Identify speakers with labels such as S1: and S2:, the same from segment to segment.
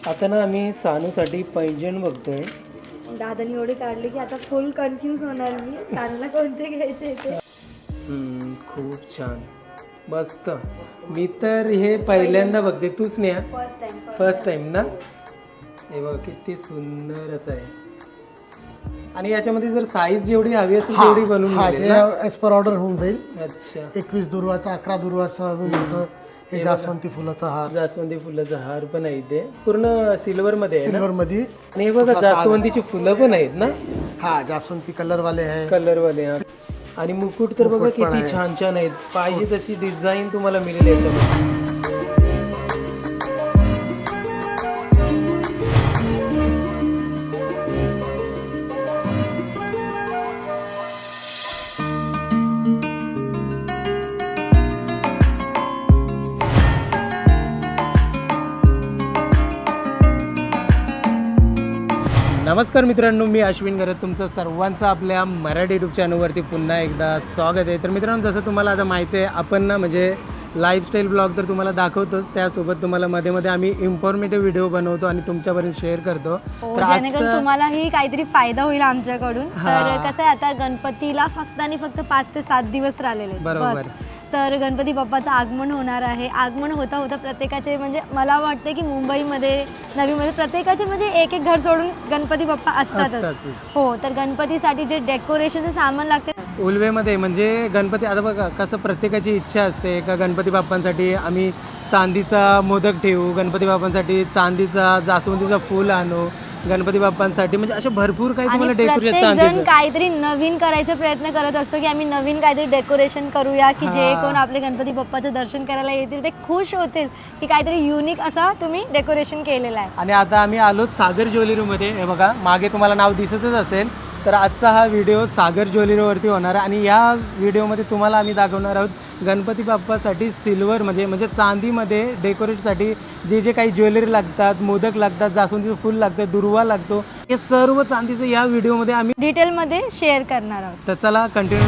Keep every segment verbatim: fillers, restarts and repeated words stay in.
S1: आता ना आम्ही सानूसाठी पैंजण बघतोय.
S2: दादानी एवढे काढले की आता फुल कन्फ्यूज होणार मी सानूला कोणते घ्यायचे ते.
S1: हम्म, खूप छान मस्त. मी तर हे पहिल्यांदा बघते. तूच नाही हा?
S2: फर्स्ट टाइम
S1: फर्स्ट टाइम ना. हे बघ किती सुंदर असं आहे. आणि याच्यामध्ये जर साईज जेवढी हवी असेल तेवढी बनवून मिळेल ना?
S3: एज पर ऑर्डर होऊन जाईल.
S1: अच्छा,
S3: एकवीस दुर्वाचा, अकरा दुर्वाचा अजून होतं. हे जास्वंती फुलाचा हार,
S1: जास्वंदी फुलाचा हार पण आहे इथे. पूर्ण सिल्वर मध्ये आहे ना?
S3: सिल्वर मध्ये.
S1: आणि हे बघा जास्वंदीची फुलं पण आहेत ना?
S3: हा, जास्वंती कलर वाले आहे.
S1: कलर वाले. हा. आणि मुकुट तर बघा किती छान छान आहेत. पाहिजे तशी डिझाईन तुम्हाला मिळेल याच्यामध्ये. नमस्कार मित्रांनो, मी अश्विन गरत तुमचं सर्वांचं आपल्या मराठी यूट्यूब चॅनलवरती पुन्हा एकदा स्वागत आहे. तर मित्रांनो, जसं तुम्हाला आता माहिती आहे, आपण ना म्हणजे लाईफस्टाईल ब्लॉग तर तुम्हाला दाखवतोच, त्यासोबत तुम्हाला मध्ये मध्ये आम्ही इन्फॉर्मेटिव्ह व्हिडिओ बनवतो आणि तुमच्यापर्यंत शेअर करतो.
S2: तर जेणेकरून तुम्हालाही काहीतरी फायदा होईल आमच्याकडून. तर कसं आहे, आता गणपतीला फक्त आणि फक्त पाच ते सात दिवस राहिलेले आहेत.
S1: बरोबर.
S2: तर गणपती बाप्पाचं आगमन होणार आहे. आगमन होता होता प्रत्येकाचे म्हणजे मला वाटतं की मुंबईमध्ये नवीमध्ये प्रत्येकाचे म्हणजे एक एक घर सोडून गणपती बाप्पा असतातच. हो, तर गणपतीसाठी जे डेकोरेशनचं सामान लागते
S1: उलवेमध्ये म्हणजे गणपती, आता बघा कसं प्रत्येकाची इच्छा असते का गणपती बाप्पांसाठी आम्ही चांदीचा मोदक ठेवू, गणपती बाप्पांसाठी चांदीचा जास्वंदीचा फूल आणू, गणपती बाप्पांसाठी म्हणजे असे भरपूर काही तुम्हाला डेकोरेशन.
S2: प्रत्येक जण काहीतरी नवीन करायचा प्रयत्न करत असतो की आम्ही नवीन काहीतरी डेकोरेशन करूया की जे कोण आपले गणपती बाप्पाचं दर्शन करायला येतील ते खुश होतील की काहीतरी युनिक असा तुम्ही डेकोरेशन केलेलं आहे.
S1: आणि आता आम्ही आलो सागर ज्वेलरीमध्ये. हे बघा मागे तुम्हाला नाव दिसतच असेल. तर आजचा हा व्हिडिओ सागर ज्वेलरीवरती होणार आहे आणि या व्हिडिओमध्ये तुम्हाला आम्ही दाखवणार आहोत गणपती बाप्पासाठी सिल्वर म्हणजे म्हणजे चांदीमध्ये डेकोरेटसाठी जे जे काही ज्वेलरी लागतात, मोदक लागतात, जास्वंदीचं फूल लागतं, दुर्वा लागतो, हे सर्व चांदीचं या व्हिडिओमध्ये आम्ही
S2: डिटेलमध्ये शेअर करणार आहोत.
S1: तर चला कंटिन्यू.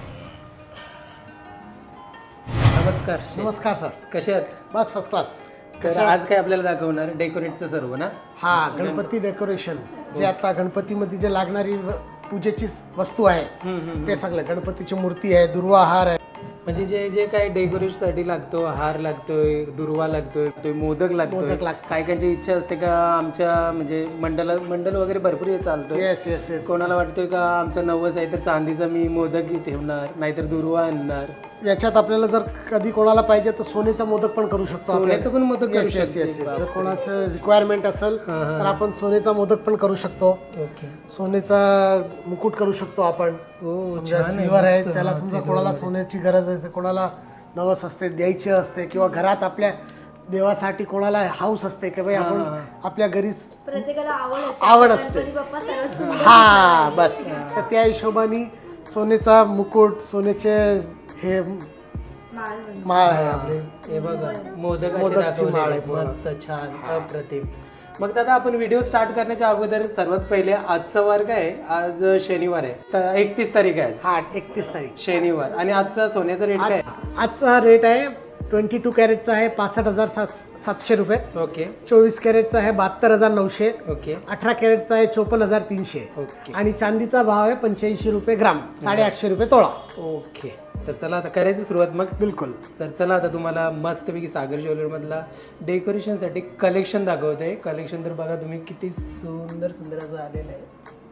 S1: नमस्कार.
S3: नमस्कार सर,
S1: कसे आहात?
S3: बस फर्स्ट क्लास.
S1: तर आज काय आपल्याला दाखवणार डेकोरेटचं सर्व ना?
S3: हा, गणपती डेकोरेशन जे आता गणपतीमध्ये जे लागणारी व- पूजेची वस्तू आहे ते सगळं. गणपतीची मूर्ती आहे, दुर्वा हार आहे.
S1: म्हणजे जे जे काही डेकोरेशनसाठी लागतो, हार लागतोय, दुर्वा लागतोय, तो मोदक लागतोय.
S3: मोदक लागतो.
S1: काही काहींची इच्छा असते का आमच्या म्हणजे मंडला मंडल वगैरे भरपूर हे चालतं.
S3: Yes yes yes.
S1: कोणाला वाटतोय का आमचं नवस आहे तर चांदीचा मी मोदक ठेवणार, नाहीतर दुर्वा आणणार.
S3: याच्यात आपल्याला जर कधी कोणाला पाहिजे तर सोन्याचा मोदक पण करू शकतो.
S1: सोन्याचं पण मोदक करू
S3: येस येस
S1: शकतो.
S3: येस. जर कोणाचं रिक्वायरमेंट असेल तर आपण सोन्याचा मोदक पण करू शकतो.
S1: ओके.
S3: सोन्याचा मुकुट करू शकतो आपण.
S1: हो,
S3: समजा सिल्वर आहे त्याला, समजा कोणाला सोन्याची गरज आहे, कोणाला नवस असते द्यायची असते, किंवा घरात आपल्या देवासाठी कोणाला हाऊस असते की भाई आपण आपल्या घरी
S2: प्रत्येकाला आवड असते.
S3: आवड असते.
S2: गणपती बाप्पा सर्वच सुंदर
S3: हा बस. तर त्या हिशोबाने सोन्याचा मुकुट, सोन्याचे हे
S2: माळ म्हणजे.
S3: माळ आहे आपले.
S1: हे बघा मोदक असे
S3: मोदकची माळ आहे
S1: दाखवलेले. मस्त छान अप्रतिम. मग दादा आपण व्हिडिओ स्टार्ट करण्याच्या अगोदर सर्वात पहिले आजचा वार काय आहे? आज शनिवार आहे, तर एकतीस तारीख आहे आज.
S3: हा, एकतीस तारीख
S1: शनिवार. आणि आजचा सोन्याचा रेट काय?
S3: आजचा रेट आहे ट्वेंटी टू कॅरेटचा आहे पासष्ट हजार सात सातशे रुपये.
S1: ओके
S3: चोवीस कॅरेटचा आहे बहात्तर हजार नऊशे.
S1: ओके
S3: अठरा कॅरेटचा आहे चोपन्न हजार तीनशे.
S1: ओके
S3: आणि चांदीचा भाव आहे पंच्याऐंशी रुपये ग्राम, साडेआठशे रुपये तोळा.
S1: ओके. तर चला आता करायची सुरुवात मग.
S3: बिलकुल.
S1: तर चला आता तुम्हाला मस्तपैकी सागर ज्वेलरीमधला डेकोरेशनसाठी कलेक्शन दाखवतोय. कलेक्शन तर बघा तुम्ही किती सुंदर सुंदर असं आलेलं आहे.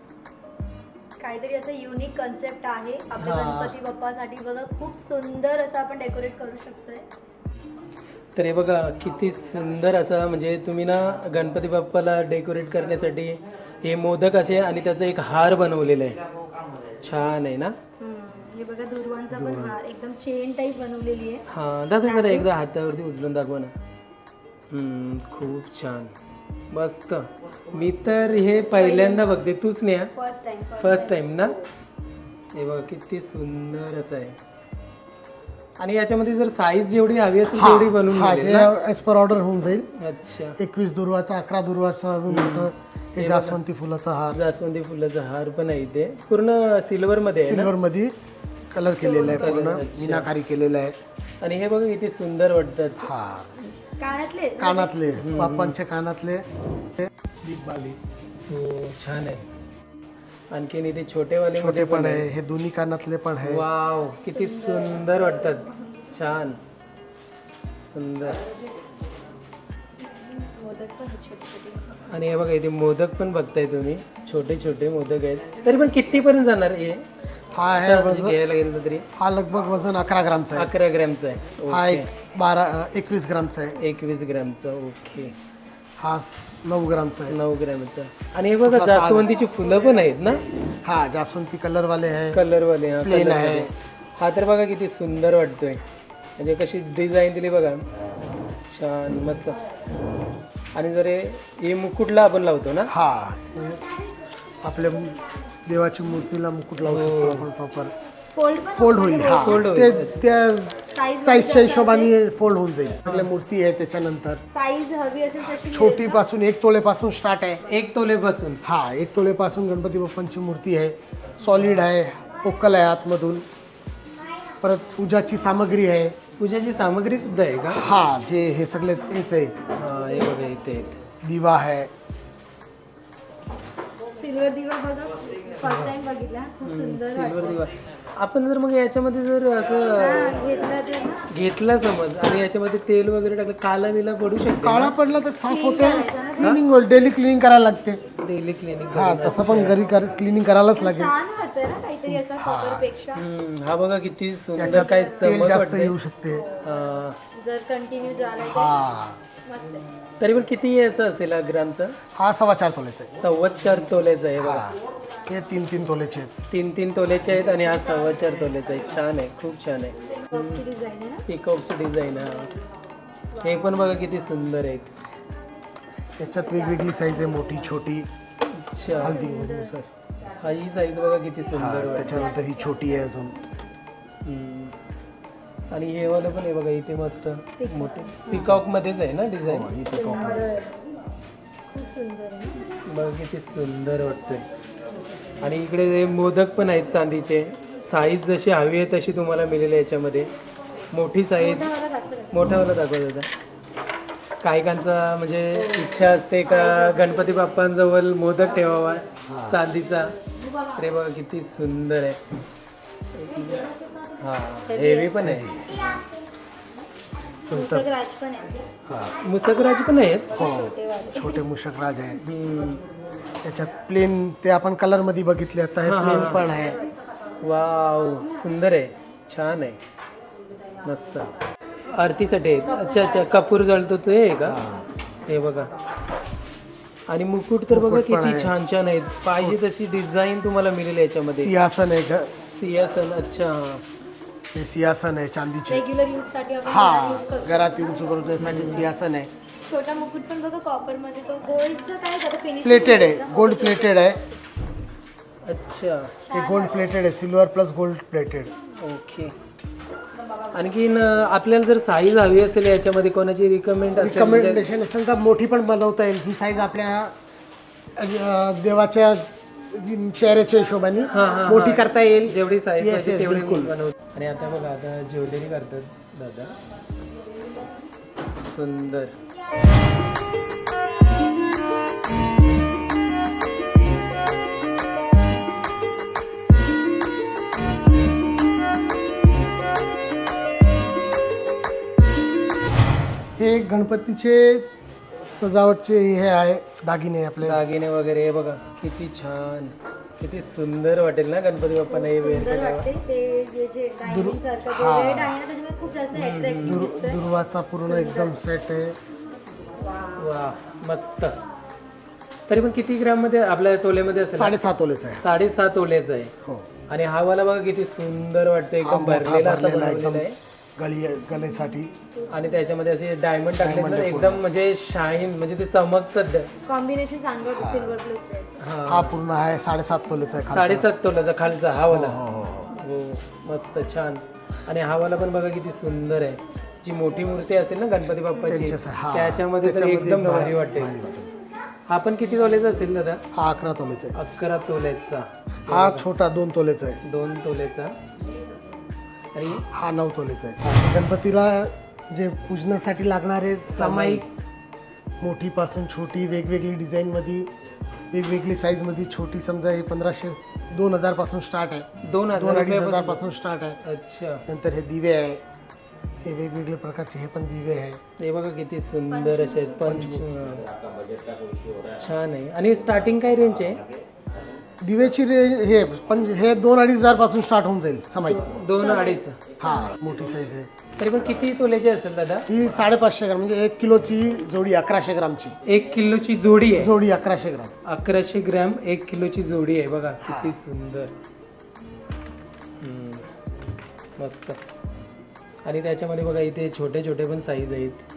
S2: काहीतरी असं युनिक कन्सेप्ट आहे आपल्या गणपती बाप्पासाठी. बघा खूप सुंदर असं आपण डेकोरेट करू शकतोय.
S1: तर हे बघा किती सुंदर असं म्हणजे तुम्ही ना गणपती बाप्पाला डेकोरेट करण्यासाठी हे मोदक असे आणि त्याचा एक हार बनवलेला आहे. छान आहे ना?
S2: हे बघा दुर्वांचा पण हार एकदम चेन टाईप बनवलेली आहे.
S1: हां दादा जरा एकदा हातावरती उचलून दाखवा ना. हम्म, खूप छान मस्त. मी तर हे पहिल्यांदा बघते. तूच नाही हा?
S2: फर्स्ट टाइम
S1: फर्स्ट टाइम ना? हे बघा किती सुंदर असं आहे. आणि याच्यामध्ये जर साईज जेवढी हवी असेल तेवढी बनवून मिळेल ना?
S3: एज पर ऑर्डर होऊन जाईल.
S1: अच्छा,
S3: एकवीस दुर्वाचा, अकरा दुर्वाचा अजून होतं. हे जास्वंती फुलाचा हार,
S1: जास्वंदी फुलाचा हार पण आहे इथे. पूर्ण सिल्वर मध्ये आहे ना?
S3: सिल्वर मध्ये कलर केलेला आहे, पूर्ण मीनाकारी केलेला आहे.
S1: आणि हे बघा किती सुंदर वाटतात.
S3: हा,
S2: कानातले
S3: कानातले बाप्पांचे कानातले दीपबाली
S1: हो छान आहे. आणखीन इथे छोटेवाले
S3: छोटे पण आहे, हे दोन्ही कानातले पण आहे.
S1: वाव किती सुंदर वाटतात. छान सुंदर. आणि हे बघा इथे मोदक पण बघताय तुम्ही, छोटे छोटे मोदक आहेत. तरी पण किती पर्यंत जाणार हे
S3: हा आहे वजन,
S1: घ्यायला गेलं तरी?
S3: हा लगभग वजन अकरा ग्रामचा आहे.
S1: अकरा ग्रॅमचा आहे.
S3: हा एक बारा एकवीस ग्रामचा आहे.
S1: एकवीस ग्रॅमचा. ओके.
S3: हा स- नऊ ग्रामचा आहे.
S1: नऊ ग्रॅमचा. आणि हे बघा जास्वंदीची फुलं पण आहेत ना,
S3: हा जास्वंती कलर वाले आहे.
S1: कलरवाले. हा
S3: प्लेन
S1: colour
S3: आहे.
S1: वाले. हा तर बघा किती सुंदर वाटतोय, म्हणजे कशी डिझाईन दिली बघा, छान मस्त. आणि जर हे- हे मुकुटला आपण लावतो ना,
S3: हा हे आपल्या देवाची मूर्तीला मुकुट लावू शकतो आपण प्रॉपर.
S2: फोल्ड
S3: फोल्ड होईल. हा
S1: Fold होईल,
S3: ते
S1: अच्छा.
S3: त्या साईजच्या हिशोबाने फोल्ड होऊन जाईल. आपल्या मूर्ती आहे त्याच्यानंतर
S2: साईज हवी असेल तशी
S3: छोटी पासून एक तोलेपासून स्टार्ट आहे.
S1: एक तोलेपासून.
S3: हा एक तोलेपासून गणपती बाप्पांची मूर्ती आहे. सॉलिड आहे, पोकल आहे आतमधून. परत पूजाची सामग्री आहे.
S1: पूजाची सामग्री सुद्धा आहे का?
S3: हा जे हे सगळे हेच आहे.
S1: हा हे बघा इथे आहेत.
S3: दिवा आहे.
S2: सिल्वर दिवा बघा, फर्स्ट टाइम बघितला, खूप सुंदर
S1: सिल्वर दिवा. आपण जर मग याच्यामध्ये जर असं
S2: वाटतं. घेतलं तर ना
S1: घेतला समज आणि याच्यामध्ये तेल वगैरे टाकलं, काला बिला पडू शकते
S3: काळा पडला तर साफ होते. क्लिनिंग डेली क्लिनिंग करायला लागते.
S1: Daily clinic.
S3: हा तसं पण घरी क्लिनिंग करायलाच लागेल.
S2: छान वाटतंय ना काहीतरी असं कपरपेक्षा.
S1: हा बघा किती सुंदर,
S3: याच्यात
S1: काय
S3: तेल
S1: चमक
S3: जास्त
S1: वाटते.
S3: येऊ शकते.
S1: हा.
S2: जर कंटिन्यू झाला तर
S3: हा
S2: मस्त आहे.
S1: तरी पण किती याचा असेल हा ग्रामचा?
S3: हा सव्वा चार तोलेचा आहे.
S1: सव्वा चार तोल्याचा आहे बघा.
S3: हा हे तीन तीन तोलेचे आहेत.
S1: तीन तीन तोल्याचे आहेत आणि हा सव्वा चार तोल्याचा आहे. छान आहे, खूप छान आहे.
S2: बॉक्सची डिझाईन आहे ना.
S1: पिकॉकची डिझाईन. हा हे पण बघा किती सुंदर आहेत.
S3: याच्यात वेगवेगळी साईज आहे, मोठी छोटी.
S1: अच्छा.
S3: हल्दी सर.
S1: हा ही साईज बघा किती
S3: हा
S1: सुंदर वाटते.
S3: त्याच्यानंतर ही छोटी आहे अजून.
S1: हम्म. आणि हे वालं पण आहे बघा इथे मस्त मोठे पिकॉक मध्येच आहे ना डिझाईन.
S3: ही peacock मध्ये.
S2: खूप सुंदर आहे.
S1: बघा किती सुंदर वाटतंय. आणि इकडे हे मोदक पण आहेत चांदीचे. साईज जशी हवी आहे तशी तुम्हाला मिळेल याच्यामध्ये. मोठी साईज. मोठावाला दाखवत होता. काहीकांचा म्हणजे इच्छा असते का गणपती बाप्पांजवळ मोदक ठेवावा चांदीचा. ते बघा किती सुंदर आहे. हा हेवी पण आहे.
S2: पुस्तक राज पण आहे.
S3: हा
S1: मुसकराज पण आहेत.
S3: हो छोटे मूषकराज आहे.
S1: हम्म.
S3: त्याच्यात प्लेन ते आपण कलर मध्ये बघितले, आता हे प्लेन पण आहे.
S1: वाव सुंदर आहे, छान आहे, मस्त. आरतीसाठी आहेत. अच्छा अच्छा कपूर जळतो ते आहे का? हे बघा. आणि मुकुट तर बघा किती छान छान आहेत. पाहिजे तशी डिझाईन तुम्हाला मिळेल याच्यामध्ये.
S3: सिंहासन आहे का?
S1: सिंहासन. अच्छा.
S3: हे सिंहासन आहे चांदीचे.
S2: रेग्युलर यूज साठी आपण
S3: हा
S2: यूज करतो.
S3: घरात यूज करण्यासाठी सिंहासन आहे.
S2: छोटा मुकुट पण बघा कॉपर मध्ये, तो गोल्डचं काय त्याचं फिनिशिंग
S3: प्लेटेड आहे, गोल्ड प्लेटेड आहे.
S1: अच्छा.
S3: हे गोल्ड प्लेटेड आहे, silver plus gold plated.
S1: Okay. आणखीन अं, आपल्याला जर साईज हवी असेल याच्यामध्ये कोणाची रिकमेंड असेल म्हणजे-
S3: रिकमेंडेशन असेल तर मोठी पण बनवता येईल. जी साईज आपल्या अं, देवाच्या जी चेहऱ्याच्या हिशोबाने मोठी करता येईल.
S1: जेवढी साईज
S3: Yes,
S1: पाहिजे
S3: yes,
S1: तेवढी
S3: बिलकुल.
S1: बनवतो. आणि आता बघा आता ज्वेलरी करतात दादा. सुंदर.
S3: हे गणपतीचे सजावटचे हे आहे दागिने आपले.
S1: दागिने वगैरे हे बघा किती छान, किती सुंदर वाटेल ना गणपती बाप्पांना हे वेअर
S2: सुंदर
S1: केल्यावर.
S2: वाटते. ते जे जे डायमंड सारखं जे रेड आहे ना त्याच्यामुळे खूप जास्त अट्रॅक्टिव्ह
S3: दुर
S2: दिसतंय.
S3: दुर्वाचा पूर्ण एकदम सेट आहे.
S1: वा मस्त. तरी पण किती ग्राम मध्ये आपल्या तोल्यामध्ये असेल?
S3: साडेसात तोलेचा आहे.
S1: साडेसात तोल्याचा आहे.
S3: हो
S1: आणि हा वाला बघा किती सुंदर वाटतं,
S3: हा
S1: एकदम
S3: मोठा
S1: भरलेला असा
S3: भरलेला एकदम
S1: बनवलेला आहे.
S3: गळी गळेसाठी.
S1: आणि त्याच्यामध्ये असे डायमंड टाकले ना एकदम म्हणजे शाईन, म्हणजे ते चमकतात.
S2: कॉम्बिनेशन चांगलं होतं सिल्वर प्लस रेड.
S1: हा
S3: हा पूर्ण आहे साडेसात तोलेचा आहे खालचा.
S1: साडेसात तोल्याचा खालचा हा वाला.
S3: हो हो हो.
S1: हो मस्त छान. आणि हा वाला पण बघा किती सुंदर आहे. जी मोठी मूर्ती असेल ना गणपती बाप्पाची
S3: त्यांच्यासाठी- हा.
S1: त्याच्यामध्ये तर
S3: त्याच्यामध्ये
S1: एकदम
S3: एकदम
S1: भारी वाटेल.
S3: भारी वाटेल.
S1: हा पण किती तोल्याचा असेल दादा?
S3: हा अकरा तोलेचा आहे.
S1: अकरा तोल्याचा.
S3: हा छोटा दोन तोलेचा आहे.
S1: दोन तोल्याचा. आणि
S3: हा नऊ तोलेचा आहे. गणपतीला जे पूजनासाठी लागणारे सामायिक, मोठीपासून छोटी वेगवेगळी डिझाईनमध्ये, वेगवेगळी साईजमध्ये, छोटी समजा हे पंधराशे दोन हजार पासून स्टार्ट आहे,
S1: दोन
S3: दोन
S1: हजार
S3: अडीच हजार पासून स्टार्ट आहे.
S1: अच्छा,
S3: नंतर हे दिवे आहे, हे वेगवेगळे प्रकारचे हे पण दिवे आहे.
S1: हे बघा किती सुंदर असे आहेत. पंच छान आहे. आणि स्टार्टिंग काय रेंज आहे?
S3: दिवेची रेंज हे पण हे दोन अडीच हजार पासून स्टार्ट होऊन जाईल सामायिक.
S1: दोन अडीच.
S3: हा मोठी साईज आहे.
S1: तरी पण किती तोल्याची असेल दादा?
S3: ही साडेपाचशे ग्राम म्हणजे एक किलोची जोडी अकराशे ग्रामची.
S1: एक किलोची जोडी आहे.
S3: जोडी अकराशे ग्राम.
S1: अकराशे ग्रॅम एक किलोची जोडी आहे. बघा किती सुंदर. हम्म. मस्त. आणि त्याच्यामध्ये बघा इथे छोटे छोटे पण साईज आहेत.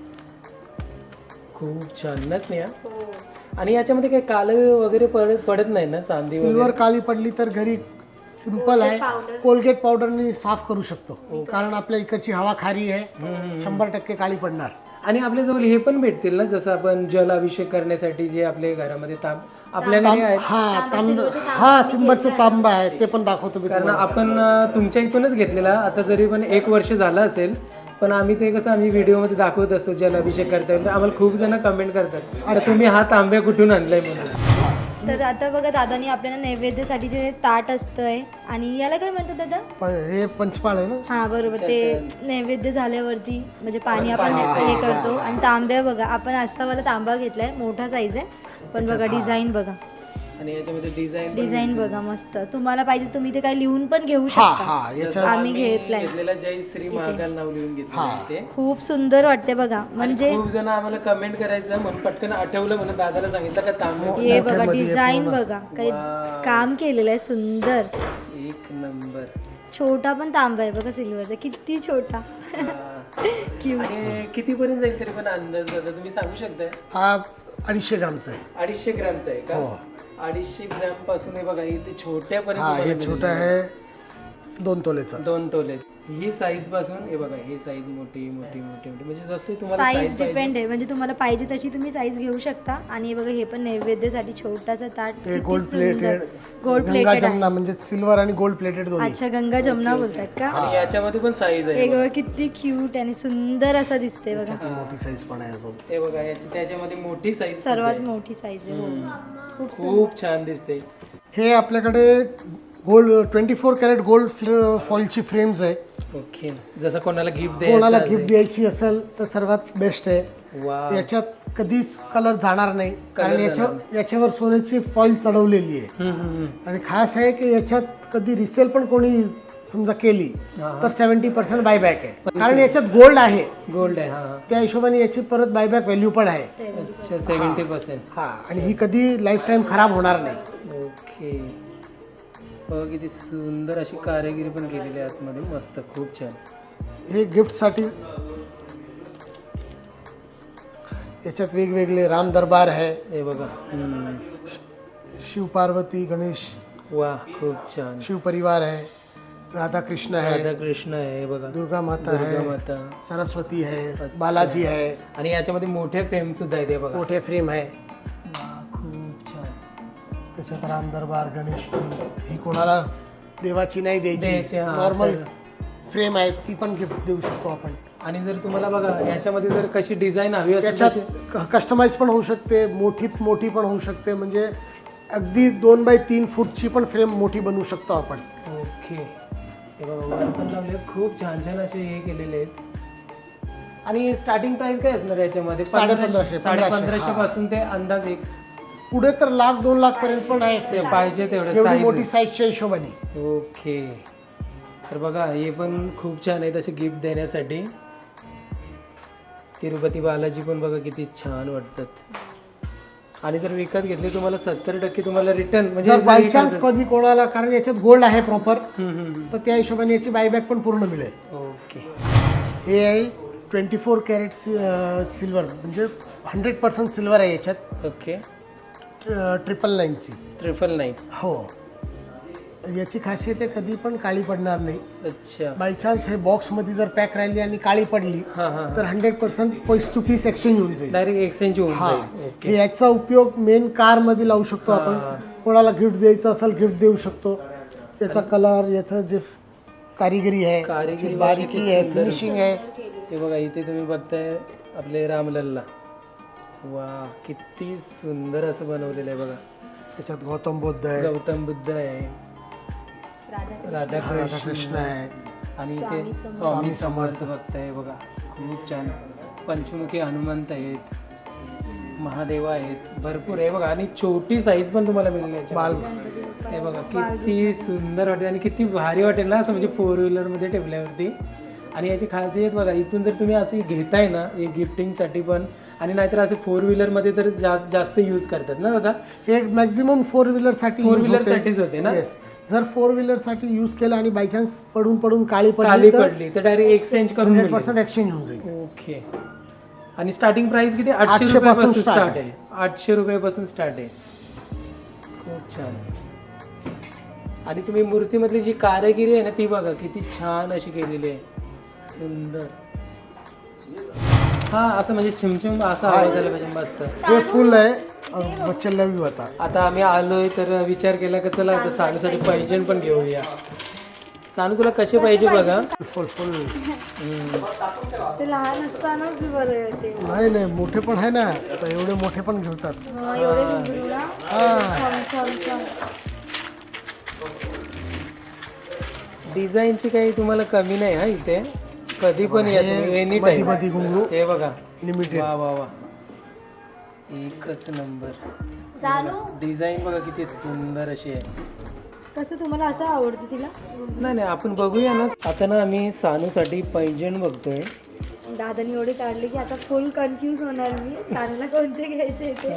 S1: खूप छान नाच नाही. आणि याच्यामध्ये काही काळ वगैरे पडत पडत नाही ना? चांदी
S3: सिल्वर काळी पडली तर घरी सिंपल आहे, कोलगेट पावडरनी साफ करू शकतो. कारण आपल्या इकडची हवा खारी आहे, शंभर टक्के काळी पडणार.
S1: आणि आपल्या जवळ हे पण भेटतील ना, जसं आपण जल अभिषेक करण्यासाठी जे आपल्या घरामध्ये तांब आपल्याकडे आहे.
S3: हा तांब हा सिंबरचं तांबा आहे, ते पण दाखवतो मी.
S1: कारण आपण अं, तुमच्या इथूनच घेतलेला. आता जरी पण एक वर्ष झालं असेल, पण आम्ही ते कसं आम्ही व्हिडिओमध्ये दाखवत असतो जल अभिषेक करता. तर आम्हाला खूप जण कमेंट करतात तर तुम्ही हा तांब्या कुठून आणलाय म्हणून.
S2: तर आता बघा दादानी आपल्याला नैवेद्यासाठी जे ताट असतंय, आणि याला काय म्हणतात दादा?
S3: प- हे पंचपाळ आहे ना.
S2: हा बरोबर. ते नैवेद्य झाल्यावरती म्हणजे पाणी आपण हे करतो. आणि तांब्या बघा, आपण असावाला तांबा घेतलाय, मोठा साईज आहे, पण बघा डिझाईन बघा.
S1: आणि याच्यामध्ये डिझाईन
S2: डिझाईन बघा मस्त. तुम्हाला पाहिजे तुम्ही ते काही लिहून पण घेऊ
S3: हा
S2: शकता.
S3: हा याच्या
S2: आम्ही घेतलाय.
S1: घेतलेला जय श्री महाकाल नाव लिहून घेतलं ते.
S2: खूप सुंदर वाटते बघा. म्हणजे
S1: खूप जण आम्हाला कमेंट करायचं म्हणून पटकन आठवलं, म्हणून दादाला सांगितलं का तांब्या.
S2: हे बघा डिझाईन बघा, काही काम केलेलं आहे सुंदर.
S1: एक नंबर.
S2: छोटा पण तांबा आहे बघा सिल्वरचा, किती छोटा. क्यूट.
S1: आणि किती पर्यंत जाईल तरी पण अंदाज दादा तुम्ही सांगू शकताय?
S3: हा अडीचशे ग्रामचा आहे.
S1: अडीचशे ग्रॅमचा आहे का? अडीचशे ग्रॅम पासून हे बघा इथे
S3: हा
S1: छोट्यापर्यंत
S3: हे छोटा आहे दोन तोलेचा.
S1: दोन तोले. ही साईज पासून हे बघा, ही साईज मोठी मोठी मोठी मोठी म्हणजे जसे तुम्हाला
S2: साईज डिपेंड आहे, म्हणजे तुम्हाला पाहिजे तशी तुम्ही साईज घेऊ शकता. आणि हे बघा हे पण नैवेद्यासाठी छोटासा ताट,
S3: हे
S2: किती
S3: गोल्ड
S2: सुंदर.
S3: प्लेटेड,
S2: गोल्ड
S3: गंगा
S2: प्लेटेड आहे.
S3: जमना म्हणजे सिल्वर आणि गोल्ड प्लेटेड दोन्ही.
S2: अच्छा, गंगा जमना बोलतात का?
S1: आणि याच्यामध्ये पण साईज आहे.
S2: हे बघा किती क्यूट आणि सुंदर असा दिसते बघा.
S3: मोठी साईज पण आहे अजून.
S1: हे बघा याची त्याच्यामध्ये मोठी साईज
S2: सर्वात मोठी साईज आहे. हो. खूप
S1: खूप छान दिसते.
S3: हे आपल्याकडे gold twenty four carat gold फॉइलची फ्रेम्स आहे.
S1: ओके. जसं कोणाला गिफ्ट
S3: कोणाला
S1: द्यायचं
S3: गिफ्ट द्यायची असेल तर सर्वात बेस्ट आहे.
S1: वा.
S3: याच्यात कधीच कलर जाणार नाही, कारण याच्या याच्यावर सोन्याची फॉइल चढवलेली आहे.
S1: हम्म, हम्म,
S3: आणि खास आहे की याच्यात कधी रिसेल पण कोणी समजा केली तर सेव्हन्टी पर्सेंट बायबॅक आहे, कारण याच्यात गोल्ड आहे.
S1: गोल्ड आहे. हा
S3: त्या हिशोबाने याची परत बायबॅक व्हॅल्यू पण आहे.
S1: अच्छा, सेव्हन्टी पर्सेंट.
S3: हा, आणि ही कधी लाईफ टाईम खराब होणार नाही.
S1: ओके. बघा किती सुंदर अशी कारागिरी पण केलेली आहे आतमध्ये. मस्त, खूप छान.
S3: हे गिफ्टसाठी याच्यात वेगवेगळे राम दरबार आहे,
S1: हे बघा. हम्म.
S3: शिव पार्वती, गणेश,
S1: वा, खूप छान.
S3: शिव परिवार आहे, राधा कृष्ण आहे,
S1: राधा कृष्ण आहे. हे बघा,
S3: दुर्गा माता
S1: दुर्गा
S3: आहे,
S1: माता.
S3: सरस्वती आहे, बालाजी आहे.
S1: आणि याच्यामध्ये मोठे फ्रेम सुद्धा आहेत. हे बघा.
S3: मोठे फ्रेम आहे.
S1: वा, खूप छान.
S3: त्याच्यात राम दरबार, गणेश, ही कोणाला देवाची नाही
S1: द्यायची,
S3: द्यायची,
S1: हा,
S3: नॉर्मल
S1: तर-
S3: फ्रेम आहे, ती पण गिफ्ट देऊ शकतो आपण.
S1: आणि जर तुम्हाला बघा याच्यामध्ये जर कशी डिझाईन हवी असेल तशी-
S3: त्याच्यात कस्टमाइज पण होऊ शकते, मोठीत मोठी पण होऊ शकते. म्हणजे अगदी दोन बाय तीन फूटची पण फ्रेम मोठी बनवू शकतो आपण.
S1: ओके. हे बघा वर पण लावले, खूप छान छान असे हे केलेले आहेत. आणि स्टार्टिंग प्राइस काय असणार याच्यामध्ये?
S3: साडे पंधराशे,
S1: साडे
S3: पंधराशे,
S1: पंधराशे
S3: हा.
S1: पासून ते अंदाज एक
S3: पुढे तर लाख दोन लाख पर्यंत पण आहे
S1: ते
S3: फ्रेम,
S1: पाहिजे तेवढे
S3: एवढी
S1: size
S3: मोठी
S1: आहे.
S3: साईजच्या हिशोबाने.
S1: ओके. तर बघा हे पण खूप छान आहे तसे गिफ्ट देण्यासाठी. तिरुपती बालाजी पण बघा किती छान वाटतात. आणि जर विकत घेतले तुम्हाला सत्तर टक्के तुम्हाला रिटर्न म्हणजे
S3: जर
S1: जर
S3: बाय
S1: हे
S3: चान्स
S1: करतात-
S3: कधी कोणाला, कारण याच्यात गोल्ड आहे प्रॉपर,
S1: हम्म, हम्म, हम्म.
S3: तर त्या हिशोबाने याची बायबॅक पण पूर्ण मिळेल.
S1: ओके.
S3: हे आहे ट्वेंटी फोर कॅरेट सिल्वर, म्हणजे हंड्रेड पर्सेंट सिल्वर आहे याच्यात,
S1: ओके.
S3: ट्रिपल नाईनची.
S1: Triple nine.
S3: हो. याची खासियत आहे कधी पण काळी पडणार नाही.
S1: अच्छा.
S3: बाय चान्स हे बॉक्समध्ये जर पॅक राहिली आणि काळी पडली
S1: हां हां.
S3: तर hundred percent piece to piece exchange होऊन जाईल.
S1: डायरेक्ट एक्सचेंज होऊन
S3: हा,
S1: जाईल. ओके.
S3: हे याचा उपयोग मेन कार मध्ये लावू शकतो आपण. कोणाला गिफ्ट द्यायचं असेल गिफ्ट देऊ शकतो. याचा कलर, याचं जे कारिगिरी आहे,
S1: कारिगिरी
S3: याची बारीकी
S1: किती
S3: आहे,
S1: सुंदर.
S3: फिनिशिंग आहे,
S1: हे बघा इथे तुम्ही बघताय आपले रामलल्ला. वा किती सुंदर असं बनवलेलं आहे बघा.
S3: त्याच्यात गौतम बुद्ध आहे,
S1: गौतम बुद्ध आहे, राधाकृष्ण
S3: राधाकृष्ण आहे,
S1: आणि इथे स्वामी समर्थ बघताय बघा. खूप छान. पंचमुखी हनुमंत आहेत, महादेवा आहेत, भरपूर आहे बघा. आणि छोटी साईज पण तुम्हाला मिळेल याच्यामध्ये. हे बघा किती सुंदर वाटेल आणि किती भारी वाटेल ना असं म्हणजे फोर व्हीलरमध्ये ठेवल्यावरती. आणि याची खासियत बघा, इथून जर तुम्ही असे घेताय ना हे गिफ्टिंगसाठी पण, आणि नाहीतर असे फोर व्हीलरमध्ये तर जा जास्त यूज करतात ना दादा.
S3: हे मॅक्झिमम फोर व्हीलरसाठी
S1: फोर व्हीलरसाठीच होते ना.
S3: येस, जर फोर व्हीलरसाठी यूज केलं आणि बाय चान्स पडून पडून काळी
S1: खाली
S3: पडली तर
S1: पडली तर डायरेक्ट एक्सचेंज करून
S3: हंड्रेड
S1: मिळेल.
S3: पर्सेंट एक्सचेंज होऊन जाईल.
S1: ओके. आणि स्टार्टिंग प्राइस किती? आठशे
S3: आठशे
S1: रुपयापासून
S3: पासून
S1: स्टार्ट
S3: start
S1: आहे. आठशे रुपयापासून स्टार्ट आहे. खूप छान. आणि तुम्ही मूर्तीमधली जी कारागिरी आहे ना ती बघा किती छान अशी केलेली आहे. सुंदर. हा असं म्हणजे छिमछिम असा आवाज आला पाहिजे मस्त.
S3: हे फुल आहे बच्चे लवी होता.
S1: आता आम्ही आलोय तर विचार केला की चला आता सानूसाठी पैंजण पण घेऊया. सानू तुला कसे पाहिजे बघा.
S3: फुल फुल
S2: ते लहान असतानाच बरं होते.
S3: नाही नाही मोठे पण आहे ना, आता एवढे मोठे पण घेतात.
S2: हा, एवढे घुंगरू ना. छान, छान, छान.
S1: डिझाईनची काही तुम्हाला कमी नाही हा इथे. कधी पण या तुम्ही एनी
S3: मधी
S1: टाइम.
S3: मधी घुंगरू
S1: हे बघा
S3: लिमिटेड.
S1: वा वा वा एकच नंबर.
S2: सानू
S1: डिझाईन बघा किती सुंदर अशी आहे.
S2: कसं तुम्हाला असं आवडतं तिला?
S1: नाही नाही आपण बघूया ना. आता ना आम्ही सानूसाठी पैंजण बघतोय.
S2: दादानी एवढे काढले की आता फुल कन्फ्यूज होणार मी. सानूला कोणते घ्यायचे ते.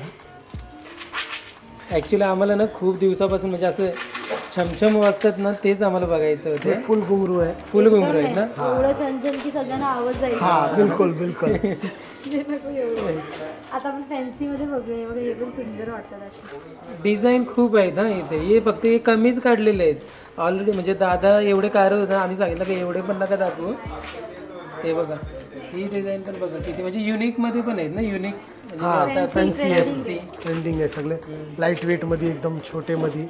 S1: ॲक्च्युली आम्हाला ना खूप दिवसापासून म्हणजे असं छमछम वाजतात ना तेच आम्हाला बघायचं
S3: हे
S1: होतं.
S3: फुल घुंगरू आहे.
S1: फुल घुंगरू आहेत ना.
S2: एवढं छान छान की सगळ्यांना आवाज जाईल.
S3: हा बिलकुल बिलकुल.
S2: ते नको एवढं. आता आपण फॅन्सी मध्ये बघूया. बघा हे पण सुंदर वाटतात असे.
S1: डिझाईन खूप आहेत ना इथे. हे फक्त हे कमीच काढलेले आहेत ऑलरेडी. म्हणजे दादा एवढे काढत होता, आम्ही सांगितलं की एवढे पण नका दाखवू. हे बघा ही डिझाईन पण बघा किती म्हणजे युनिक मध्ये पण आहेत ना. युनिक म्हणजे
S3: हा
S1: आता
S3: फॅन्सी आहे, ट्रेंडिंग आहे सगळे. लाईट वेट मध्ये एकदम छोटे मध्ये.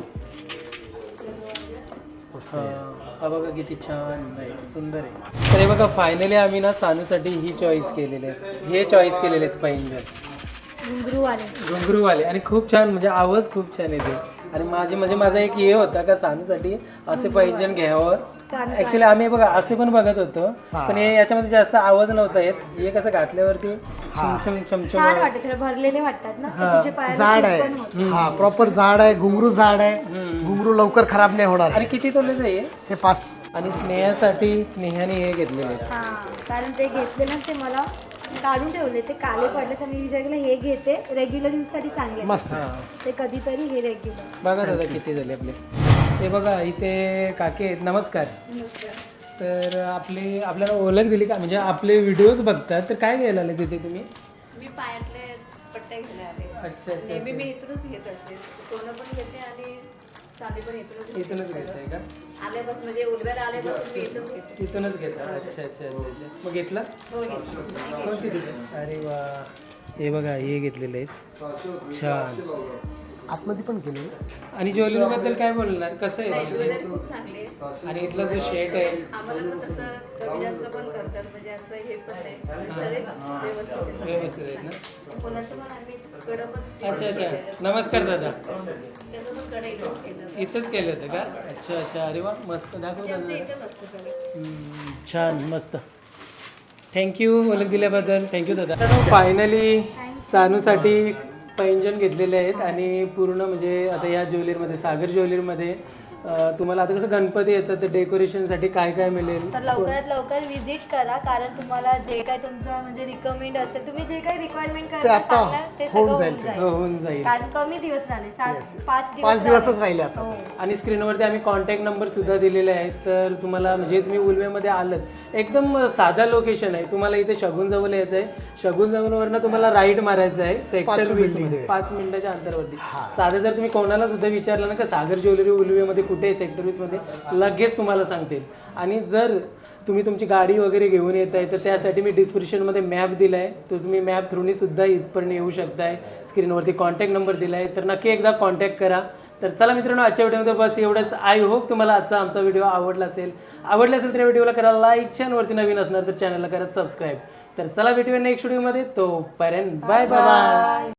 S1: हा बघा किती छान आहे, सुंदर आहे. तर हे बघा फायनली आम्ही ना सानूसाठी ही चॉईस केलेली आहे. हे चॉईस केलेले आहेत पैंजण
S2: घुंगरूवाले.
S1: घुंगरूवाले. आणि खूप छान म्हणजे आवाज खूप छान येते. आणि माझे म्हणजे माझा एक हे होता का सानूसाठी असे पैंजण घ्यावं. ऍक्च्युली आम्ही बघा असे पण बघत होतो पण हे याच्यामध्ये जास्त आवाज नव्हता येत. हे कसं घातल्यावरती छमछम छमछम
S2: छान वाटते. थोडे भरलेले वाटतात ना. ते तुझ्या पायाला
S3: जाड
S2: fit पण होतं.
S3: आहे. हा प्रॉपर जाड आहे. घुंगरू जाड आहे. घुंगरू लवकर खराब नाही होणार.
S1: आणि किती तोलेचं आहे हे?
S3: हे पाच.
S1: आणि स्नेहासाठी स्नेहाने हे घेतलेले आहेत.
S2: हा कारण ते घेतले ना ते मला काढून ठेवले. ते काले पडले तर मी विचार केला हे घेते रेग्युलर यूज साठी चांगले आहे.
S3: मस्त.
S2: ते कधीतरी हे रेग्युलर.
S1: बघा दादा किती झाले आपले. हे बघा इथे काके आहेत. नमस्कार. तर आपली आपल्याला ओळख दिली का म्हणजे आपले व्हिडिओज बघतात तर काय घ्यायला आले तिथे तुम्ही?
S4: मी पायातले पट्टे घ्यायला आले.
S1: अच्छा अच्छा
S4: नेहमी मी इथूनच घेत असते. सोनं पण घेते आणि चांदी पण इथूनच घेते.
S1: इथूनच घेताय का?
S4: आल्यापासून म्हणजे उलव्याला आल्यापासून मी इथंच घेते.
S1: इथूनच घेता. अच्छा अच्छा अच्छा अच्छा. मग घेतला?
S4: हो घेतलं.
S1: कोणती दिली? अरे वा हे बघा हे घेतलेले आहेत. छान.
S3: आतमध्ये पण केले ना.
S1: आणि ज्वेलरी बद्दल काय बोलणार कसं आहे?
S4: ज्वेलरी खूप चांगली आहे.
S1: आणि इथला जो शेट आहे
S4: आम्हाला पण तसं कमी जास्त पण करतात म्हणजे असं हे पण नाही सगळे व्यवस्थित आहे.
S1: व्यवस्थित आहेत ना.
S4: कोणाचं पण आम्ही कडं पण
S1: अच्छा अच्छा. नमस्कार दादा.
S4: त्याचं पण कडं इथंच केलं.
S1: इथंच केलं होतं का? अच्छा अच्छा. अरे वा मस्त दाखव दादा.
S4: इथंच असतं सगळं.
S1: हम्म, छान मस्त. थँक्यू ओळख दिल्याबद्दल. थँक्यू दादा. फायनली सानूसाठी पैंजण घेतलेले आहेत आणि पूर्ण म्हणजे आता या ज्वेलरीमध्ये सागर ज्वेलरीमध्ये अं, तुम्हाला आता कसं गणपती येतात तर डेकोरेशनसाठी काय काय मिळेल.
S2: तर लवकरात लवकर विजिट करा कारण तुम्हाला जे काय तुमचं म्हणजे रिकमेंड असेल तुम्ही जे काही रिक्वायरमेंट
S3: ते
S2: करता
S3: आता
S2: सांगणार ते सगळं
S3: होऊन
S2: होऊन
S3: जाईल.
S2: जाईल.
S1: हो होऊन जाईल.
S2: कारण कमी दिवस राहिले सात पाच दिवस
S3: पाच दिवसच
S2: राहिले.
S3: राहिले आता.
S2: हो.
S1: आणि स्क्रीनवरती आम्ही कॉन्टॅक्ट नंबर सुद्धा दिलेले आहेत. तर तुम्हाला म्हणजे तुम्ही उलवेमध्ये आलात एकदम साधा लोकेशन आहे. तुम्हाला इथे शगुन जवळ यायचं आहे. शगुन जवळवरनं तुम्हाला राईट मारायचं आहे सेक्टर वीस मध्ये पाच मिनिटाच्या अंतरावरती. साधं जर तुम्ही कोणाला सुद्धा विचारलं ना का सागर ज्वेलरी उलवेमध्ये कुठे आहे सेक्टर वीस मध्ये लगेच तुम्हाला सांगतील. आणि जर तुम्ही तुमची गाडी वगैरे घेऊन येत आहे तर त्यासाठी मी डिस्क्रिप्शनमध्ये मॅप दिला आहे. तर तुम्ही मॅप थ्रूनी सुद्धा इथपर्यंत येऊ शकताय. स्क्रीनवरती कॉन्टॅक्ट नंबर दिला आहे तर नक्की एकदा कॉन्टॅक्ट करा. तर चला मित्रांनो, आजच्या व्हिडिओमध्ये बस एवढंच. आय होप तुम्हाला आजचा आमचा व्हिडिओ आवडला असेल. आवडला असेल तर या व्हिडिओला करा लाईक, चॅनलवरती नवीन असणार तर चॅनलला करा सबस्क्राईब. तर चला भेटूया नेक्स्ट व्हिडिओमध्ये. तोपर्यंत बाय बाय.